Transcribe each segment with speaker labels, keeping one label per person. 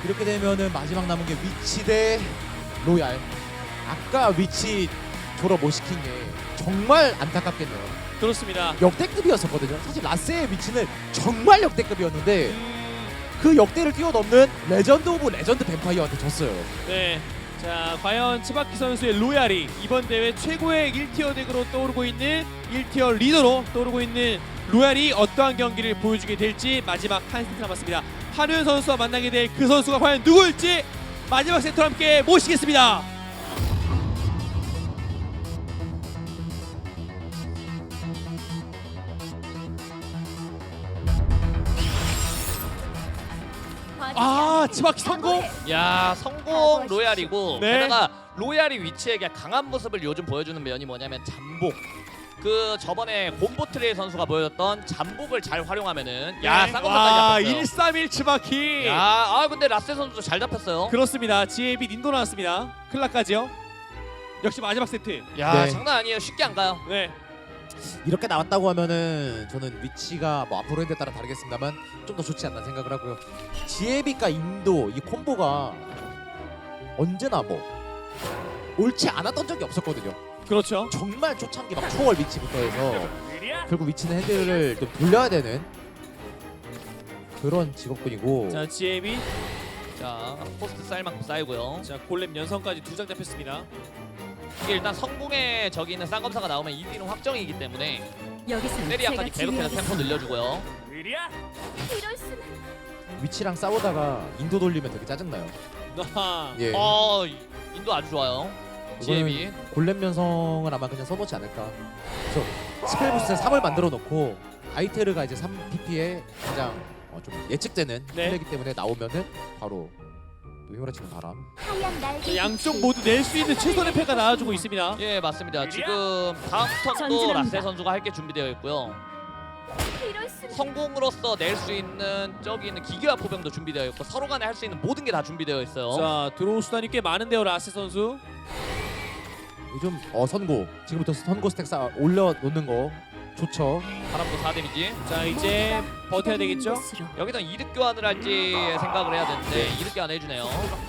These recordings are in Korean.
Speaker 1: 이렇게 되면은 마지막 남은 게 위치 대 로얄. 아까 위치 졸업 못 시킨 게 정말 안타깝겠네요.
Speaker 2: 그렇습니다.
Speaker 1: 역대급이었었거든요. 사실 라스의 위치는 정말 역대급이었는데 그 역대를 뛰어넘는 레전드 오브 레전드 뱀파이어한테 졌어요.
Speaker 2: 네. 자, 과연 츠바키 선수의 로얄이 이번 대회 최고의 1티어 덱으로 떠오르고 있는 1티어 리더로 떠오르고 있는 로얄이 어떠한 경기를 보여주게 될지 마지막 한 세트 남았습니다. 한우현 선수와 만나게 될 그 선수가 과연 누구일지 마지막 세트와 함께 모시겠습니다. 아, 츠바키 성공.
Speaker 3: 야, 성공 로얄이고
Speaker 2: 네.
Speaker 3: 게다가 로얄이 위치에게 강한 모습을 요즘 보여주는 면이 뭐냐면 잠복. 그 저번에 곰보트레이 선수가 보여줬던 잠복을 잘 활용하면은 야, 쌍꺼풀까지
Speaker 2: 와,
Speaker 3: 잡혔어요.
Speaker 2: 131 츠바키.
Speaker 3: 야, 근데 라세 선수도 잘 잡혔어요.
Speaker 2: 그렇습니다. GAB 닌도 나왔습니다. 클라까지요. 역시 마지막 세트.
Speaker 3: 야,
Speaker 1: 네.
Speaker 3: 장난 아니에요. 쉽게 안 가요.
Speaker 2: 네.
Speaker 1: 이렇게 나왔다고 하면은 저는 위치가 뭐 앞으로 했에 따라 다르겠습니다만 좀 더 좋지 않나 생각을 하고요. 지에비과 인도 이 콤보가 언제나 뭐 옳지 않았던 적이 없었거든요.
Speaker 2: 그렇죠.
Speaker 1: 정말 초창기 막 초월 위치부터 해서 결국 위치는 핸들을 좀 돌려야 되는 그런 직업군이고.
Speaker 2: 자, GAB.
Speaker 3: 자, 포스트 쌓일 만큼 쌓이고요.
Speaker 2: 자, 골렘 연성까지 2장 잡혔습니다.
Speaker 3: 이게 일단 성공의 저기 있는 쌍검사가 나오면 1위는 확정이기 때문에
Speaker 4: 여기서는
Speaker 3: 세리아까지
Speaker 4: 제가
Speaker 3: 계속해서 템포
Speaker 4: 지휘하겠습니다.
Speaker 3: 늘려주고요.
Speaker 4: 이럴 수는.
Speaker 1: 위치랑 싸우다가 인도 돌리면 되게 짜증나요.
Speaker 2: 아하.
Speaker 1: 예.
Speaker 3: 인도 아주 좋아요. GAB.
Speaker 1: 이거는 골렘 연성을 아마 그냥 써놓지 않을까. 그래서 스펠 부스에 3을 만들어 놓고 아이테르가 이제 3pp에 가장 좀 예측되는
Speaker 2: 네.
Speaker 1: 플레이기 때문에 나오면은 바로 휘몰아치는 바람.
Speaker 4: 하얀 날개.
Speaker 2: 양쪽 모두 낼 수 있는 최선의 패가 나와주고 있습니다.
Speaker 3: 예, 맞습니다. 지금 다음 턴도
Speaker 4: 전진합니다.
Speaker 3: 라세 선수가 할 게 준비되어 있고요.
Speaker 4: 이럴 수는.
Speaker 3: 성공으로서 낼 수 있는 저기 있는 기계화 포병도 준비되어 있고 서로 간에 할 수 있는 모든 게 다 준비되어 있어요.
Speaker 2: 자, 들어올 수단이 꽤 많은데요, 라세 선수.
Speaker 1: 요즘 선고 지금부터 선고 스택 쌓아 올려놓는 거 좋죠.
Speaker 3: 바람도 4데미지.
Speaker 2: 자, 이제 버텨야 되겠죠?
Speaker 3: 여기서 이득 교환을 할지 생각을 해야 되는데 이득 교환 해주네요.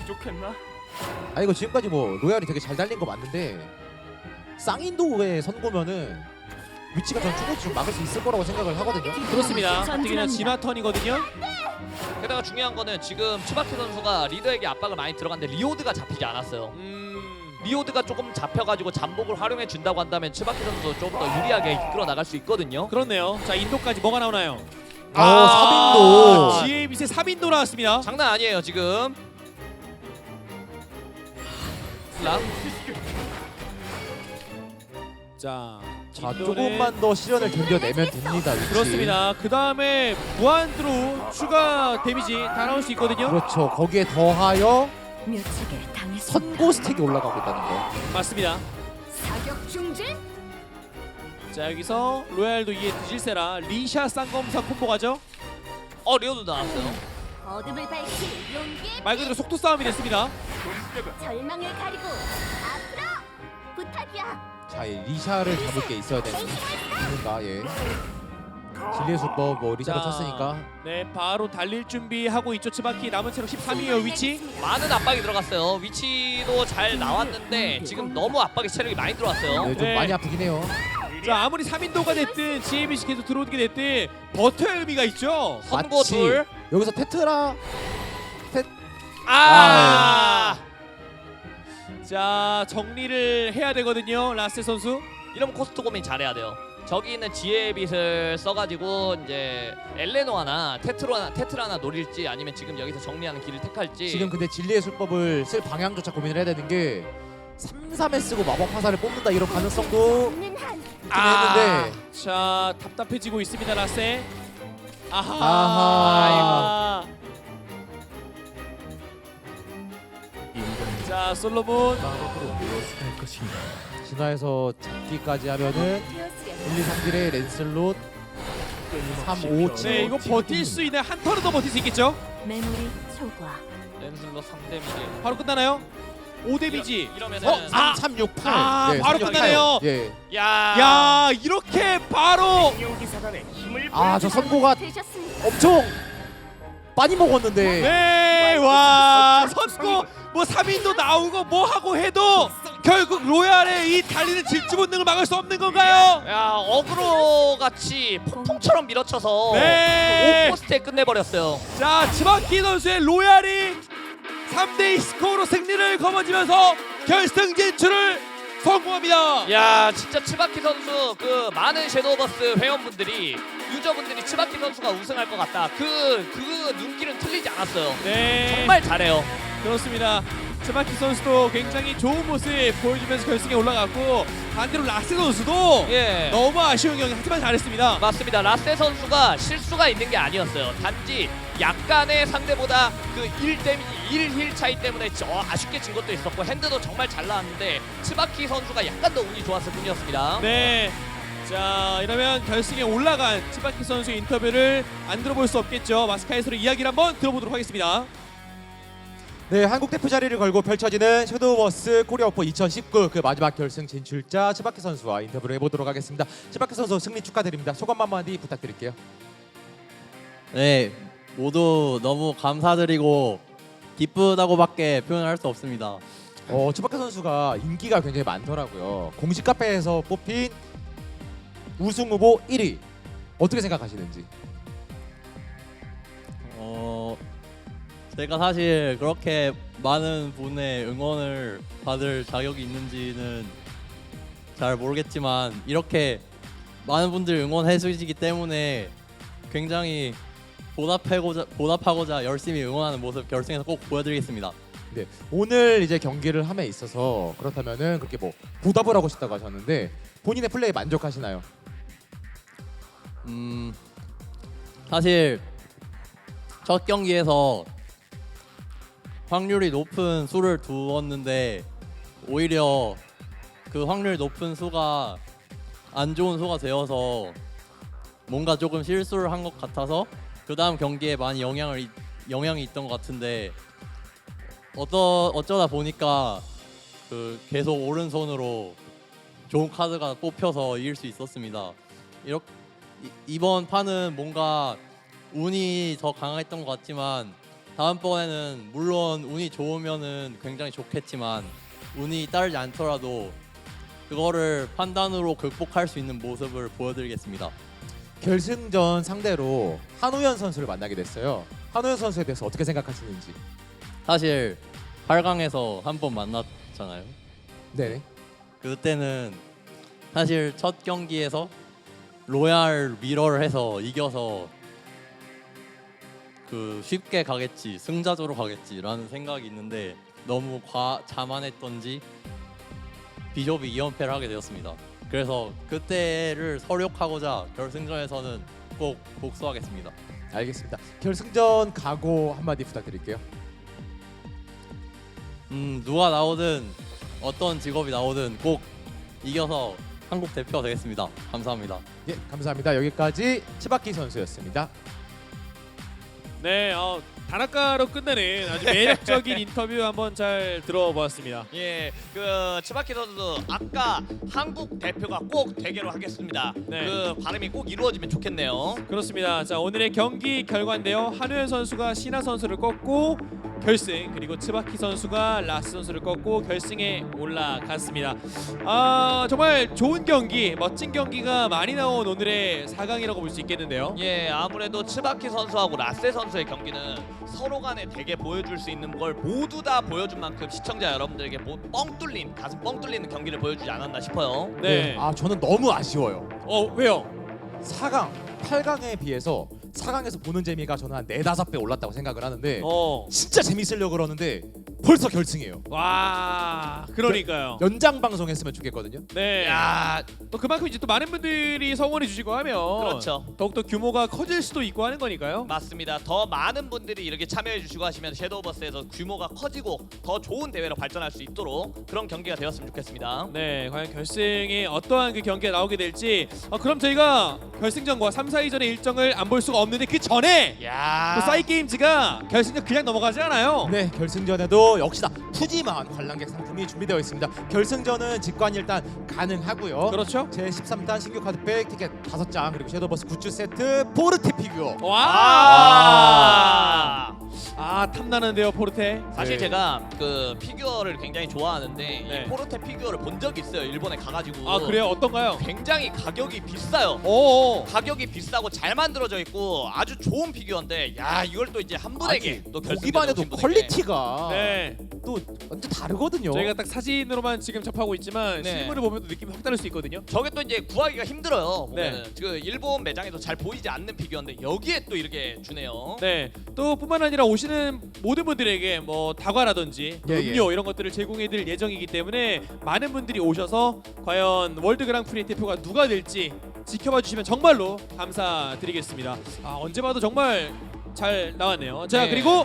Speaker 1: 아 이거 지금까지 뭐 로얄이 되게 잘 달린 거 맞는데 쌍인도의 선고면은 위치가 전 충분히 좀 막을 수 있을 거라고 생각을 하거든요.
Speaker 2: 그렇습니다. 특히나
Speaker 4: 전진합니다.
Speaker 2: 진화 턴이거든요.
Speaker 3: 게다가 중요한 거는 지금 츠바키 선수가 리더에게 압박을 많이 들어갔는데 리오드가 잡히지 않았어요. 리오드가 조금 잡혀가지고 잠복을 활용해 준다고 한다면 츠바키 선수 좀 더 유리하게 이끌어 나갈 수 있거든요.
Speaker 2: 그렇네요. 자, 인도까지 뭐가 나오나요?
Speaker 1: 3인도.
Speaker 2: GAB의 3인도 나왔습니다.
Speaker 3: 장난 아니에요 지금. 슬람.
Speaker 2: 자,
Speaker 1: 자
Speaker 2: 인도는-
Speaker 1: 조금만 더 시련을 견뎌내면 됩니다. 위치.
Speaker 2: 그렇습니다. 그 다음에 무한드로 추가 데미지 다 나올 수 있거든요.
Speaker 1: 그렇죠. 거기에 더하여
Speaker 4: 묘책에 당했습니다.
Speaker 1: 선고 스택이 올라가고 있다는 거.
Speaker 2: 맞습니다.
Speaker 4: 사격 중진.
Speaker 2: 자, 여기서 로얄도 이에 뒤질세라 리샤 쌍검사 콤보 가죠.
Speaker 3: 리오드 나왔어요.
Speaker 4: 어둠을 밝힌 용기의
Speaker 2: 말 그대로 속도 싸움이 됐습니다.
Speaker 4: 절망을 가리고 앞으로 부탁이야.
Speaker 1: 자, 이 리샤를 잡을 게 있어야 되는가? 예. 진리의 수법 뭐 리샤를
Speaker 2: 자,
Speaker 1: 쳤으니까
Speaker 2: 네, 바로 달릴 준비하고 있죠. 츠바키 남은 채로 13위에요 위치.
Speaker 3: 많은 압박이 들어갔어요. 위치도 잘 나왔는데 지금 너무 압박이 체력이 많이 들어왔어요.
Speaker 1: 네, 좀
Speaker 2: 네.
Speaker 1: 많이 아프긴 해요.
Speaker 2: 자, 아무리 3인도가 됐든 GABC 계속 들어오게 됐든 버텨야 의미가 있죠.
Speaker 3: 선고
Speaker 1: 마치
Speaker 3: 둘.
Speaker 1: 여기서 테트라
Speaker 2: 자, 정리를 해야 되거든요. 라세 선수.
Speaker 3: 이러면 코스트 고민 잘해야 돼요. 저기 있는 지혜빛을 써가지고 이제 엘레노아나 테트라나 노릴지 아니면 지금 여기서 정리하는 길을 택할지.
Speaker 1: 지금 근데 진리의 수법을 쓸 방향조차 고민을 해야 되는 게 3-3에 쓰고 마법 화살을 뽑는다 이런 가능성도
Speaker 4: 있는 한
Speaker 1: 있긴 했는데
Speaker 2: 자, 답답해지고 있습니다. 라세. 아하.
Speaker 1: 아하.
Speaker 2: 자, 솔로몬.
Speaker 1: 진화해서 잡기까지 하면은
Speaker 4: 되었으려
Speaker 1: 1, 2, 3딜에 랜슬롯 3, 5, 7
Speaker 2: 네, 이거 버틸 수 있는 한 턴은 더 버틸 수 있겠죠?
Speaker 4: 메모리 초과.
Speaker 3: 렌슬로 3데미지.
Speaker 2: 바로 끝나나요? 5데미지.
Speaker 3: 이러면은
Speaker 1: 3, 3, 6, 8
Speaker 2: 바로
Speaker 1: 3, 6, 8.
Speaker 2: 끝나네요.
Speaker 1: 예.
Speaker 2: 야, 이렇게 바로
Speaker 1: 아, 저 선고가
Speaker 4: 되셨습니다.
Speaker 1: 엄청 많이 먹었는데
Speaker 2: 네, 와 선고 뭐 3인도 나오고 뭐 하고 해도 결국 로얄의 이 달리는 질주 본능을 막을 수 없는 건가요?
Speaker 3: 야 어그로 같이 폭풍처럼 밀어쳐서
Speaker 2: 네.
Speaker 3: 5포스트에 끝내버렸어요.
Speaker 2: 자, 치바키 선수의 로얄이 3대2 스코어로 승리를 거머쥐면서 결승 진출을 성공합니다.
Speaker 3: 야 진짜 치바키 선수 그 많은 섀도우버스 회원분들이 유저분들이 치바키 선수가 우승할 것 같다. 그 눈길은 틀리지 않았어요.
Speaker 2: 네,
Speaker 3: 정말 잘해요.
Speaker 2: 그렇습니다. 치바키 선수도 굉장히 좋은 모습 보여주면서 결승에 올라갔고 반대로 라스 선수도
Speaker 3: 예.
Speaker 2: 너무 아쉬운 경기 하지만 잘했습니다.
Speaker 3: 맞습니다. 라세 선수가 실수가 있는 게 아니었어요. 단지 약간의 상대보다 그 1힐 차이 때문에 아쉽게 진 것도 있었고 핸드도 정말 잘 나왔는데 치바키 선수가 약간 더 운이 좋았을 뿐이었습니다.
Speaker 2: 네. 자, 이러면 결승에 올라간 치바키 선수의 인터뷰를 안 들어볼 수 없겠죠. 마스카에서로 이야기를 한번 들어보도록 하겠습니다.
Speaker 1: 네, 한국 대표 자리를 걸고 펼쳐지는 섀도우버스 코리아 오퍼 2019 그 마지막 결승 진출자 치바키 선수와 인터뷰를 해보도록 하겠습니다. 치바키 선수 승리 축하드립니다. 소감 한마디 부탁드릴게요.
Speaker 5: 네, 모두 너무 감사드리고 기쁘다고밖에 표현할 수 없습니다.
Speaker 1: 치바키 선수가 인기가 굉장히 많더라고요. 공식 카페에서 뽑힌 우승 후보 1위 어떻게 생각하시는지?
Speaker 5: 제가 사실 그렇게 많은 분의 응원을 받을 자격이 있는지는 잘 모르겠지만 이렇게 많은 분들이 응원해 주시기 때문에 굉장히 보답하고자 열심히 응원하는 모습 결승에서 꼭 보여드리겠습니다.
Speaker 1: 네, 오늘 이제 경기를 함에 있어서 그렇다면은 그렇게 뭐 보답을 하고 싶다고 하셨는데 본인의 플레이 만족하시나요?
Speaker 5: 사실 첫 경기에서 확률이 높은 수를 두었는데 오히려 그 확률 높은 수가 안 좋은 수가 되어서 뭔가 조금 실수를 한 것 같아서 그 다음 경기에 많이 영향이 있던 것 같은데 어쩌다 보니까 그 계속 오른손으로 좋은 카드가 뽑혀서 이길 수 있었습니다. 이번 판은 뭔가 운이 더 강했던 것 같지만 다음번에는 물론 운이 좋으면은 굉장히 좋겠지만 운이 따르지 않더라도 그거를 판단으로 극복할 수 있는 모습을 보여드리겠습니다.
Speaker 1: 결승전 상대로 한우현 선수를 만나게 됐어요. 한우현 선수에 대해서 어떻게 생각하시는지?
Speaker 5: 사실 8강에서 한 번 만났잖아요.
Speaker 1: 네.
Speaker 5: 그때는 사실 첫 경기에서 로얄 미러를 해서 이겨서 그 쉽게 가겠지, 승자조로 가겠지라는 생각이 있는데 너무 자만했던지 비숍이 2연패를 하게 되었습니다. 그래서 그때를 설욕하고자 결승전에서는 꼭 복수하겠습니다.
Speaker 1: 알겠습니다. 결승전 각오 한마디 부탁드릴게요.
Speaker 5: 누가 나오든 어떤 직업이 나오든 꼭 이겨서 한국 대표가 되겠습니다. 감사합니다.
Speaker 1: 예, 감사합니다. 여기까지 치바키 선수였습니다.
Speaker 2: 네, 단아까로 끝내는 아주 매력적인 인터뷰 한번 잘 들어보았습니다.
Speaker 3: 예, 그 치바키 선수 아까 한국 대표가 꼭 되기로 하겠습니다.
Speaker 2: 네.
Speaker 3: 그 바람이 꼭 이루어지면 좋겠네요.
Speaker 2: 그렇습니다. 자, 오늘의 경기 결과인데요. 한우현 선수가 신하 선수를 꺾고 결승, 그리고 츠바키 선수가 라스 선수를 꺾고 결승에 올라갔습니다. 정말 좋은 경기, 멋진 경기가 많이 나온 오늘의 4강이라고 볼 수 있겠는데요.
Speaker 3: 예, 아무래도 치바키 선수하고 라세 선수의 경기는 서로 간에 되게 보여줄 수 있는 걸 모두 다 보여준 만큼 시청자 여러분들에게 가슴 뻥 뚫리는 경기를 보여주지 않았나 싶어요.
Speaker 2: 네.
Speaker 1: 저는 너무 아쉬워요.
Speaker 2: 왜요?
Speaker 1: 4강, 8강에 비해서 4강에서 보는 재미가 저는 한 4-5배 올랐다고 생각을 하는데 진짜 재밌으려고 그러는데 벌써 결승이에요.
Speaker 2: 와, 그러니까요.
Speaker 1: 연장 방송 했으면 좋겠거든요.
Speaker 2: 네.
Speaker 3: 야,
Speaker 2: 또 그만큼 이제 또 많은 분들이 성원해 주시고 하면
Speaker 3: 그렇죠.
Speaker 2: 더욱더 규모가 커질 수도 있고 하는 거니까요.
Speaker 3: 맞습니다. 더 많은 분들이 이렇게 참여해 주시고 하시면 섀도우버스에서 규모가 커지고 더 좋은 대회로 발전할 수 있도록 그런 경기가 되었으면 좋겠습니다.
Speaker 2: 네, 과연 결승에 어떠한 그 경기가 나오게 될지. 그럼 저희가 결승전과 3, 4위전의 일정을 안 볼 수가 없는데 그 전에
Speaker 3: 야,
Speaker 2: 또 싸이게임즈가 결승전 그냥 넘어가지 않아요.
Speaker 1: 네, 결승전에도 그리고 역시나 푸짐한 관람객 상품이 준비되어 있습니다. 결승전은 직관이 일단 가능하고요.
Speaker 2: 그렇죠.
Speaker 1: 제 13단 신규 카드백 티켓 5장 그리고 섀도우버스 굿즈 세트 포르테 피규어.
Speaker 2: 와. 아 탐나는데요 포르테.
Speaker 3: 사실
Speaker 1: 네.
Speaker 3: 제가 그 피규어를 굉장히 좋아하는데
Speaker 2: 네.
Speaker 3: 이 포르테 피규어를 본 적이 있어요. 일본에 가가지고.
Speaker 2: 아 그래요? 어떤가요?
Speaker 3: 굉장히 가격이 비싸요.
Speaker 2: 오.
Speaker 3: 가격이 비싸고 잘 만들어져 있고 아주 좋은 피규어인데 야 이걸 또 이제 한 분에게 또
Speaker 1: 보기만 해도
Speaker 3: 결승전에 오신 분에게.
Speaker 1: 퀄리티가
Speaker 2: 네.
Speaker 1: 또 완전 다르거든요.
Speaker 2: 저희가 딱 사진으로만 지금 접하고 있지만
Speaker 3: 네.
Speaker 2: 실물을 보면 또 느낌이 확 다를 수 있거든요.
Speaker 3: 저게 또 이제 구하기가 힘들어요.
Speaker 2: 네.
Speaker 3: 보면은 그 일본 매장에서 잘 보이지 않는 피규어인데 여기에 또 이렇게 주네요.
Speaker 2: 네. 또 뿐만 아니라 오시는 모든 분들에게 뭐 다과라든지
Speaker 1: 예,
Speaker 2: 음료 이런 것들을 제공해드릴 예정이기 때문에 많은 분들이 오셔서 과연 월드 그랑프리 대표가 누가 될지 지켜봐 주시면 정말로 감사드리겠습니다. 아 언제 봐도 정말 잘 나왔네요. 자
Speaker 3: 네.
Speaker 2: 그리고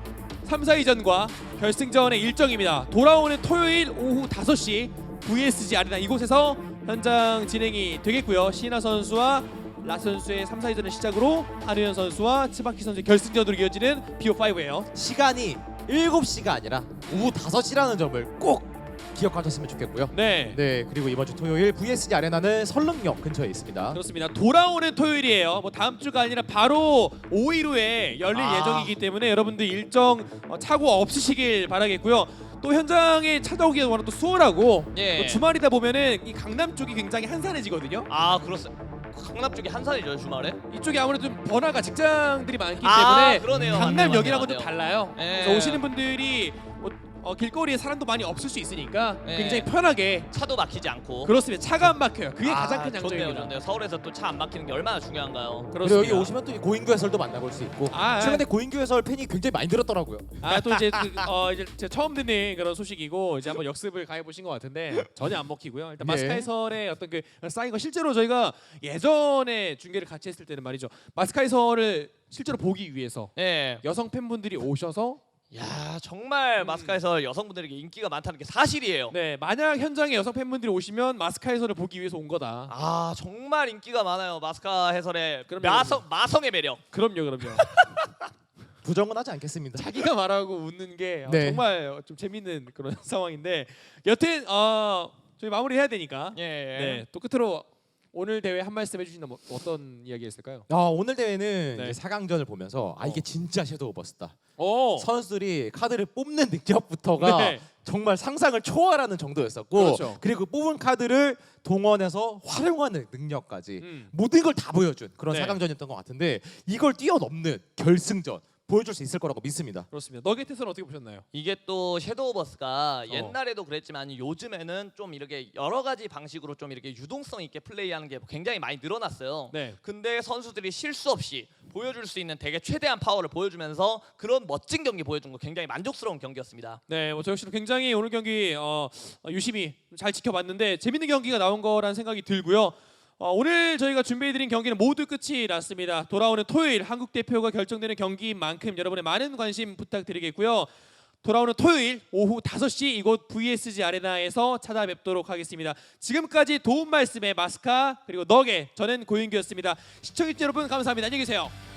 Speaker 2: 3, 4위전과 결승전의 일정입니다. 돌아오는 토요일 오후 5시 VSG 아레나 이곳에서 현장 진행이 되겠고요. 신하 선수와 라 선수의 3, 4위전을 시작으로 한우현 선수와 츠바키 선수의 결승전으로 이어지는 BO5예요.
Speaker 1: 시간이 7시가 아니라 오후 5시라는 점을 꼭 기억하셨으면 좋겠고요.
Speaker 2: 네.
Speaker 1: 네, 그리고 이번 주 토요일 VSG 아레나는 설릉역 근처에 있습니다.
Speaker 2: 그렇습니다. 돌아오는 토요일이에요. 뭐 다음 주가 아니라 바로 5일 후에 열릴 예정이기 때문에 여러분들 일정 착오 없으시길 바라겠고요. 또 현장에 찾아오기가 워낙 또 수월하고
Speaker 3: 예.
Speaker 2: 또 주말이다 보면은 이 강남 쪽이 굉장히 한산해지거든요.
Speaker 3: 아 그렇습니다. 강남 쪽이 한산이죠 주말에?
Speaker 2: 이쪽이 아무래도 좀 번화가 직장들이 많기
Speaker 3: 아,
Speaker 2: 때문에
Speaker 3: 그러네요.
Speaker 2: 강남역이랑은 좀
Speaker 3: 맞네요.
Speaker 2: 달라요.
Speaker 3: 네.
Speaker 2: 그래서 오시는 분들이 뭐, 길거리에 사람도 많이 없을 수 있으니까
Speaker 3: 네.
Speaker 2: 굉장히 편하게
Speaker 3: 차도 막히지 않고.
Speaker 2: 그렇습니다. 차가 안 막혀요. 그게 가장 큰
Speaker 3: 좋네요,
Speaker 2: 양점입니다.
Speaker 3: 좋네요. 서울에서 또 차 안 막히는 게 얼마나 중요한가요?
Speaker 1: 그리고
Speaker 2: 그렇습니다.
Speaker 1: 여기 오시면 또 이 고인규 해설도 만나볼 수 있고
Speaker 2: 아,
Speaker 1: 최근에 고인규 해설 팬이 굉장히 많이 늘었더라고요.
Speaker 2: 또 이제 이제 제가 처음 듣는 그런 소식이고 이제 한번 역습을 가해 보신 것 같은데 전혀 안 먹히고요. 일단
Speaker 1: 예.
Speaker 2: 마스카 해설의 어떤 그 쌓인 거 실제로 저희가 예전에 중계를 같이 했을 때는 말이죠. 마스카 해설을 실제로 보기 위해서
Speaker 3: 예.
Speaker 2: 여성 팬분들이 오셔서
Speaker 3: 야 정말 마스카에서 여성분들에게 인기가 많다는 게 사실이에요.
Speaker 2: 네 만약 현장에 여성 팬분들이 오시면 마스카 해설을 보기 위해서 온 거다.
Speaker 3: 아 정말 인기가 많아요. 마스카 해설의
Speaker 2: 그럼요,
Speaker 3: 마성의 매력.
Speaker 2: 그럼요.
Speaker 1: 부정은 하지 않겠습니다.
Speaker 2: 자기가 말하고 웃는 게
Speaker 1: 네.
Speaker 2: 정말 좀 재밌는 그런 상황인데 여튼 저희 마무리해야 되니까
Speaker 3: 예.
Speaker 2: 네, 또 끝으로 오늘 대회 한 말씀 해주신다면 어떤 이야기가 있을까요?
Speaker 1: 오늘 대회는
Speaker 2: 네.
Speaker 1: 이제 4강전을 보면서 이게 진짜 섀도우 버스다.
Speaker 2: 오,
Speaker 1: 선수들이 카드를 뽑는 능력부터가
Speaker 2: 네.
Speaker 1: 정말 상상을 초월하는 정도였었고
Speaker 2: 그렇죠.
Speaker 1: 그리고 뽑은 카드를 동원해서 활용하는 능력까지
Speaker 2: 음.
Speaker 1: 모든 걸 다 보여준 그런
Speaker 2: 네.
Speaker 1: 4강전이었던 것 같은데 이걸 뛰어넘는 결승전 보여줄 수 있을 거라고 믿습니다.
Speaker 2: 그렇습니다. 너겟에서는 어떻게 보셨나요?
Speaker 3: 이게 또 섀도우 버스가 옛날에도 그랬지만 요즘에는 좀 이렇게 여러 가지 방식으로 좀 이렇게 유동성 있게 플레이하는 게 굉장히 많이 늘어났어요.
Speaker 2: 네.
Speaker 3: 근데 선수들이 실수 없이 보여줄 수 있는 되게 최대한 파워를 보여주면서 그런 멋진 경기 보여준 거 굉장히 만족스러운 경기였습니다.
Speaker 2: 네, 저 역시도 굉장히 오늘 경기 유심히 잘 지켜봤는데 재밌는 경기가 나온 거라는 생각이 들고요. 오늘 저희가 준비해드린 경기는 모두 끝이 났습니다. 돌아오는 토요일 한국 대표가 결정되는 경기인 만큼 여러분의 많은 관심 부탁드리겠고요. 돌아오는 토요일 오후 5시 이곳 VSG 아레나에서 찾아뵙도록 하겠습니다. 지금까지 도움 말씀의 마스카 그리고 너겟 저는 고인규였습니다. 시청해주신 여러분 감사합니다. 안녕히 계세요.